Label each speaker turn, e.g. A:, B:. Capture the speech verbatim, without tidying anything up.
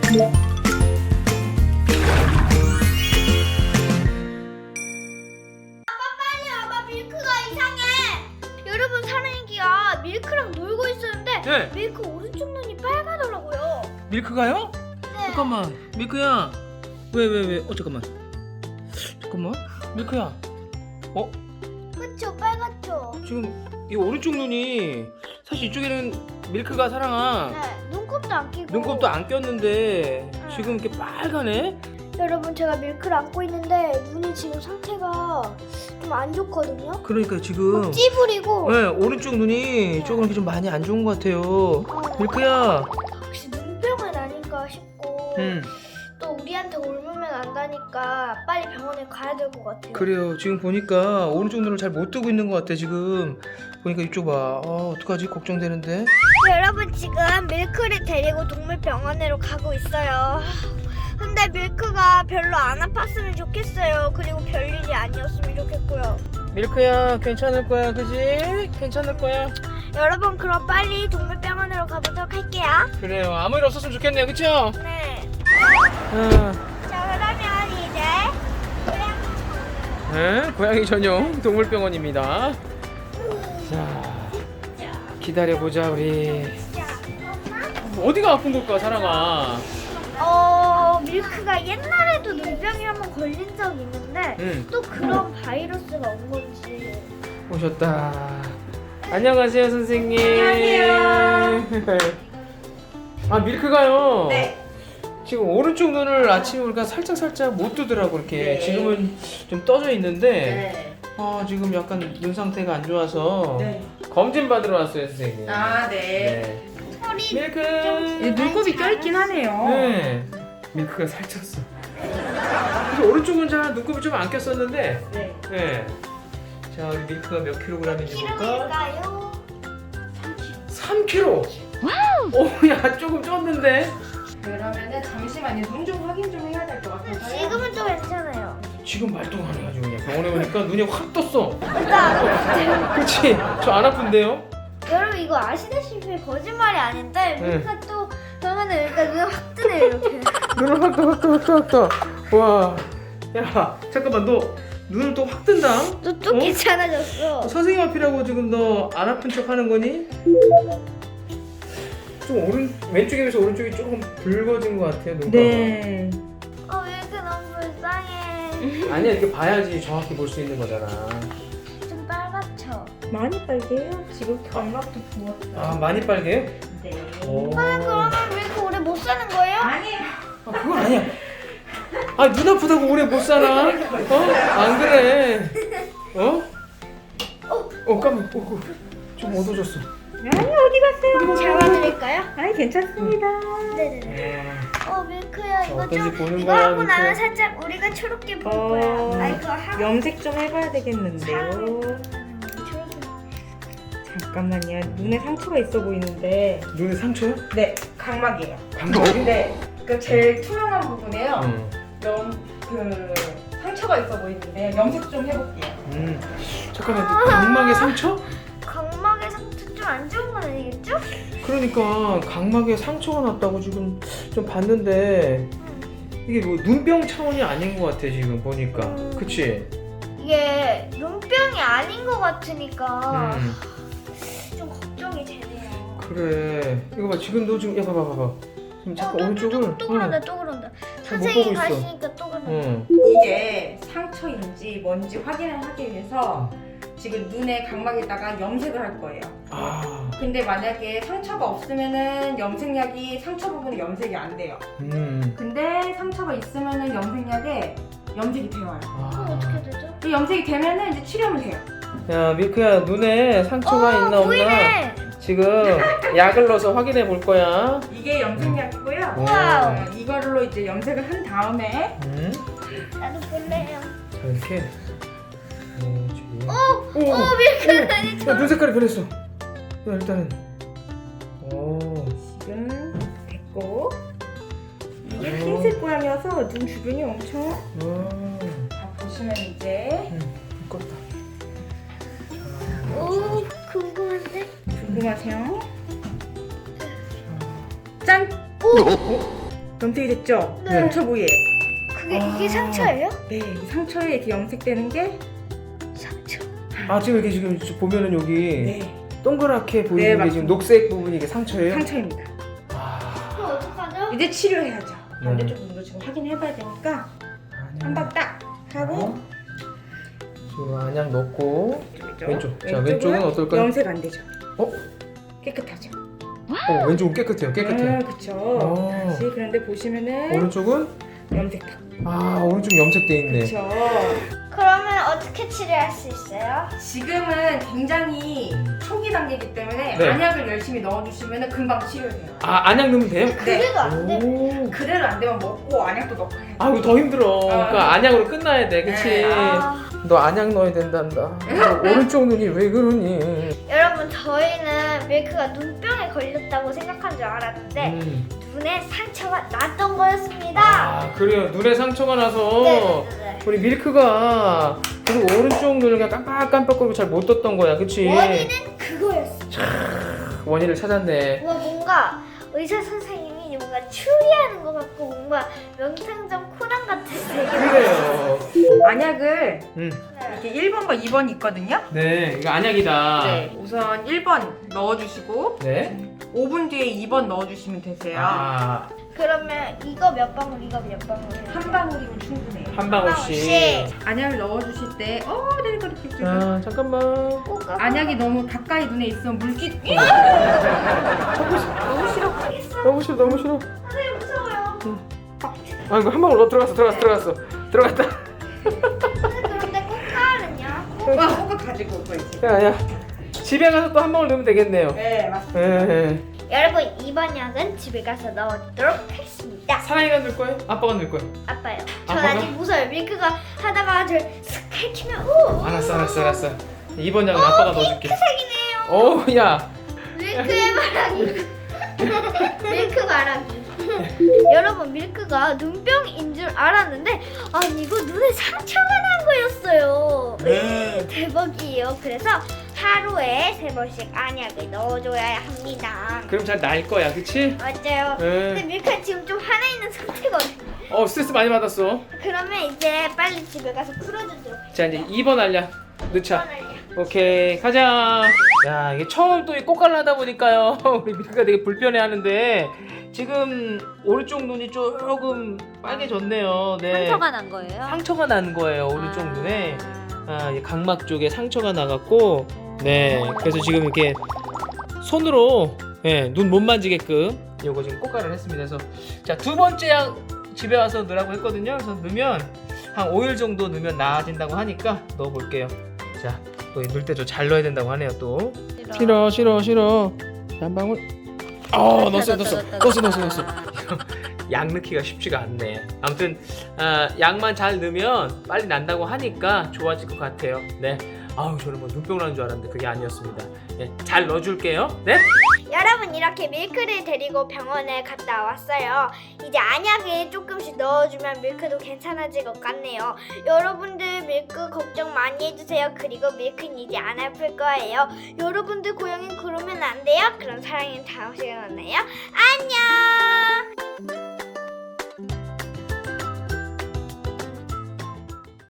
A: 여러분, 사랑이가 밀크랑 놀고 있었는데
B: 네.
A: 밀크 오른쪽 눈이 빨가더라고요.
B: 밀크가요?
A: 네.
B: 잠깐만, 밀크야. 왜 왜 왜? 어 잠깐만. 잠깐만, 밀크야. 어?
A: 그쵸, 빨갛죠?
B: 지금 이 오른쪽 눈이 사실 이쪽에는 밀크가 사랑아
A: 네, 눈곱도 안 끼고
B: 눈곱도 안 꼈는데
A: 응.
B: 지금 이렇게 빨가네?
A: 여러분, 제가 밀크를 안고 있는데 눈이 지금 상태가 좀 안 좋거든요.
B: 그러니까 지금
A: 찌부리고
B: 네, 오른쪽 눈이 조금 이렇게 좀 많이 안 좋은 것 같아요.
A: 어,
B: 밀크야.
A: 혹시 눈병은 아닐까 싶고
B: 음.
A: 또 우리한테 옮으면 안다니까 빨리 병원에 가야 될 것 같아요.
B: 그래요. 지금 보니까 오른쪽 눈을 잘 못 뜨고 있는 것 같아. 지금 보니까 이쪽 봐. 아, 어떡하지? 걱정되는데.
A: 여러분, 지금 밀크를 데리고 동물병원으로 가고 있어요. 근데 밀크가 별로 안 아팠으면 좋겠어요. 그리고 별일이 아니었으면 좋겠고요.
B: 밀크야, 괜찮을 거야, 그지? 괜찮을 거야.
A: 여러분, 그럼 빨리 동물병원으로 가보도록 할게요.
B: 그래요. 아무 일 없었으면 좋겠네요, 그쵸?
A: 네.
B: 아,
A: 자, 그러면 이제 고양이
B: 네, 고양이 전용 동물병원입니다. 자, 기다려보자, 우리.
A: 자, 엄마.
B: 어디가 아픈 걸까, 사랑아?
A: 어, 밀크가 옛날에도 눈병이 한번 걸린 적이 있는데
B: 응,
A: 또 그런 바이러스가 온 건지.
B: 오셨다. 안녕하세요, 선생님.
C: 안녕하세요.
B: 아, 밀크가요.
C: 네.
B: 지금 오른쪽 눈을 아침에 우리가 살짝 살짝 못 뜨더라고 이렇게.
C: 네.
B: 지금은 좀 떠져 있는데,
C: 네.
B: 아 지금 약간 눈 상태가 안 좋아서
C: 네.
B: 검진 받으러 왔어요, 선생님.
C: 아, 네.
B: 네.
A: 털이
B: 밀크.
C: 예, 눈곱이 껴있긴 하네요.
B: 네. 밀크가 살쪘어. 그래서 오른쪽은 잘 눈곱이 좀 안 꼈었는데,
C: 네.
B: 네. 자, 우리 밀크가 몇 킬로그램인지 볼까?
A: 키로일까요?
B: 삼 킬로그램. 오, 야 조금 쪘는데.
C: 그러면은 잠시만요. 눈 좀 확인 좀 해야 될 것 같아서요.
A: 지금은 좀 괜찮아요.
B: 지금 말도 안 해가지고 그냥 병원에 오니까 눈이 확 떴어.
A: 일단
B: 그렇지? 저 안 아픈데요?
A: 여러분, 이거 아시다시피 거짓말이 아닌데
B: 네.
A: 밀크가 또 병원에 오니까 눈이 확 뜨네요, 이렇게.
B: 눈을 확 떠, 확 떠, 확 떠, 확 떠. 와, 야, 잠깐만, 너 눈을 또 확 뜬다?
A: 또, 또
B: 어?
A: 괜찮아졌어.
B: 선생님 앞이라고 지금 너 안 아픈 척 하는 거니? 좀 오른 왼쪽에 비해서 오른쪽이 조금 붉어진 것 같아요, 눈가가.
C: 네.
A: 어, 밀크 너무 불쌍해.
B: 아니야, 이렇게 봐야지 정확히 볼 수 있는 거잖아.
A: 좀 빨갛죠?
C: 많이 빨개요. 지금 견갑도 부었어요.
B: 아, 많이 빨개요?
C: 네.
B: 오.
A: 아, 그러면 밀크 오래 못 사는 거예요?
C: 아니에요.
B: 아, 그건 아니야. 아, 눈 아프다고 오래 못 사나? 어? 안 그래. 어? 어, 깜짝. 어, 어, 좀 어두워졌어.
C: 아니, 어디 갔어요?
A: 잡아드릴까요?
C: 아니, 괜찮습니다.
A: 네네네. 어, 밀크야, 이거
B: 어떤지
A: 좀
B: 보는
A: 이거
B: 거야,
A: 하고 나면
B: 밀크야.
A: 살짝 우리가 초록게 보일
C: 어,
A: 거야. 아, 이거 하고
C: 염색 좀 해봐야 되겠는데요.
A: 초록게.
C: 잠깐만요. 눈에 상처가 있어 보이는데.
B: 눈에 상처요?
C: 네, 각막이에요.
B: 감각이?
C: 네, 그 제일 투명한 부분에요.
B: 응.
C: 염, 그 상처가 있어 보이는데 염색 좀 해볼게요.
B: 음. 잠깐만, 각막에 상처?
A: 각막에 상처 좀 안 좋은 건 아니겠죠?
B: 그러니까 각막에 상처가 났다고 지금 좀 봤는데 이게 뭐 눈병 차원이 아닌 것 같아 지금 보니까.
A: 음.
B: 그치?
A: 이게 눈병이 아닌 것 같으니까
B: 음.
A: 좀 걱정이 되네요.
B: 그래. 이거 봐, 지금 너 지금 야 봐봐 봐봐. 지금 잠깐
A: 어, 또,
B: 오른쪽을.
A: 또, 또 그런다, 또 그런다.
B: 잘 못
A: 선생님이
B: 보고 있어.
A: 가시니까 또 그런다.
B: 응.
C: 이게 상처인지 뭔지 확인을 하기 위해서 지금 눈에 각막에다가 염색을 할 거예요.
B: 아.
C: 근데 만약에 상처가 없으면은 염색약이 상처 부분에 염색이 안 돼요.
B: 음.
C: 근데 상처가 있으면은 염색약에 염색이 되어요.
A: 그럼
B: 아.
A: 어떻게 되죠?
C: 이 염색이 되면은 이제 치료하면 돼요.
B: 야 밀크야, 눈에 상처가 있나 없나
A: 보이네.
B: 지금 약을 넣어서 확인해 볼 거야.
C: 이게 염색약이고요.
A: 와우.
C: 어, 이거로 이제 염색을 한 다음에
B: 음.
A: 나도 볼래요.
B: 자 이렇게. 어, 지금.
A: 오,
B: 오,
A: 오, 밀크 아니
B: 야,
A: 저.
B: 눈 색깔이 변했어. 야, 일단은. 오.
C: 지금 됐고 이게
B: 어.
C: 흰색 고양이라서 눈 주변이 엄청
B: 와.
C: 자 보시면 이제
B: 응, 껐다.
A: 오, 궁금한데?
C: 궁금하세요? 짠!
B: 어?
C: 염색이 됐죠?
A: 네.
C: 상처 부위에.
A: 그게
B: 아.
A: 이게 상처예요?
C: 네, 이 상처에 이렇게 염색되는 게
A: 상처.
B: 아 지금 이렇게 지금 보면은 여기
C: 네,
B: 동그랗게 보이는
C: 네,
B: 게
C: 맞습니다.
B: 지금 녹색 부분이 이게 상처예요?
C: 상처입니다.
B: 아,
A: 그럼 어떡하죠?
C: 이제 치료해야죠.
B: 네.
C: 반대쪽 눈도 지금 확인해봐야 되니까 한 번 딱 하고
B: 어? 지금 안약 넣고
C: 왼쪽.
B: 왼쪽. 자,
C: 왼쪽은
B: 왼쪽은 어떨까요?
C: 염색 안 되죠.
B: 어?
C: 깨끗하죠.
B: 어 왼쪽은 깨끗해요 깨끗해.
C: 아, 그쵸.
B: 어.
C: 다시 그런데 보시면은
B: 오른쪽은
C: 염색 탁.
B: 아 오른쪽 염색돼 있네.
C: 그쵸.
A: 그러면 어떻게 치료할 수 있어요?
C: 지금은 굉장히 초기 단계이기 때문에
B: 네.
C: 안약을 열심히 넣어주시면 금방 치료돼요.
B: 아 안약 넣으면 돼요?
A: 그래도 안 돼.
B: 오.
C: 그대로 안 되면 먹고 안약도 넣고 해요.
B: 아 이거 더 힘들어. 그러니까 안약으로 끝나야 돼, 그치?
C: 네.
A: 아,
B: 너 안약 넣어야 된단다. 너 오른쪽 눈이 왜 그러니?
A: 여러분 저희는 밀크가 눈병에 걸렸다고 생각한 줄 알았는데
B: 음.
A: 눈에 상처가 났던 거였습니다.
B: 아 그래요. 눈에 상처가 나서
A: 네네네.
B: 우리 밀크가 그리고 오른쪽 눈을 그냥 깜빡깜빡거리고 잘 못 떴던 거야, 그치?
A: 원인은 그거였어.
B: 원인을 찾았네.
A: 뭐 뭔가 의사 선생님이 뭔가 추리하는 것 같고 뭔가 명탐정 코난 같았어요.
B: 그래요.
C: 안약을
B: 음.
C: 이렇게 일 번과 이 번이 있거든요.
B: 네, 이거 안약이다.
C: 네, 우선 일 번 넣어주시고
B: 네.
C: 오 분 뒤에 이 번 넣어주시면 되세요.
B: 아,
A: 그러면 이거 몇 방울 이거 몇 방울
C: 한 방울이면 충분해요.
B: 한 방울씩.
C: 안약을 넣어주실 때, 어, 네, 그렇게 이렇게.
B: 자, 잠깐만.
A: 꼭
C: 안약이 너무 가까이 눈에 있으면 물기. 너무 싫어.
B: 너무 싫어, 너무 싫어.
A: 선생님 무서워요.
B: 아, 이거 한 방울 넣어 들어갔어, 들어갔어, 들어갔어, 들어갔다.
A: 그런데 꽃가을은요?
C: 와, 호박 가지고 오고 있지.
B: 야, 야. 집에 가서 또 한 방울 넣으면 되겠네요.
C: 네, 맞습니다.
B: 예.
A: 여러분 이번 약은 집에 가서 넣어두도록 하겠습니다.
B: 사랑이가 넣을 거예요? 아빠가 넣을 거예요?
A: 아빠요. 전
B: 아빠가?
A: 아직 무서워요. 밀크가 하다가 저를 슥 해치면 오.
B: 알았어, 알았어, 알았어. 이번 약은 아빠가 넣어줄게.
A: 핑크색이네요.
B: 어, 야.
A: 밀크의 바람이. 밀크 바람이. 여러분 밀크가 눈병인 줄 알았는데 아니 이거 눈에 상처가 난 거였어요.
B: 네.
A: 대박이에요. 그래서 하루에 세 번씩 안약을 넣어줘야 합니다.
B: 그럼 잘 나을 거야, 그치?
A: 맞아요. 근데
B: 예.
A: 밀크가 지금 좀 화나 있는 상태거든요.
B: 어, 스트레스 많이 받았어.
A: 그러면 이제 빨리 집에 가서 풀어주도록.
B: 자, 이제 이 번 알약 넣자.
A: 할게요.
B: 오케이, 가자. 야, 이게 처음 또 이 꽃갈라 하다 보니까요. 우리 밀크가 되게 불편해 하는데 지금 오른쪽 눈이 조금 빨개졌네요. 네.
D: 상처가 난 거예요?
B: 상처가 난 거예요, 오른쪽
D: 아.
B: 눈에. 아, 이 각막 쪽에 상처가 나갔고, 네. 그래서 지금 이렇게 손으로 예, 눈 못 만지게끔 요거 지금 꽃갈을 했습니다. 그래서 자, 두 번째 약 집에 와서 넣으라고 했거든요. 그래서 넣으면 한 오 일 정도 넣으면 나아진다고 하니까 넣어 볼게요. 자, 또 넣을 때 좀 잘 넣어야 된다고 하네요, 또. 싫어, 싫어, 싫어. 한 방울. 어, 넣었어, 넣었어, 넣었어, 넣었어, 넣었어. 약 넣기가 쉽지가 않네. 아무튼 아, 약만 잘 넣으면 빨리 난다고 하니까 좋아질 것 같아요. 네. 아우 저는 뭐 눈병 나는 줄 알았는데 그게 아니었습니다. 네, 잘 넣어줄게요. 네.
A: 여러분 이렇게 밀크를 데리고 병원에 갔다 왔어요. 이제 안약을 조금씩 넣어주면 밀크도 괜찮아질 것 같네요. 여러분들 밀크 걱정 많이 해주세요. 그리고 밀크는 이제 안 아플 거예요. 여러분들 고양이 그러면 안 돼요. 그럼 사랑이는 다음 시간에 만나요. 안녕.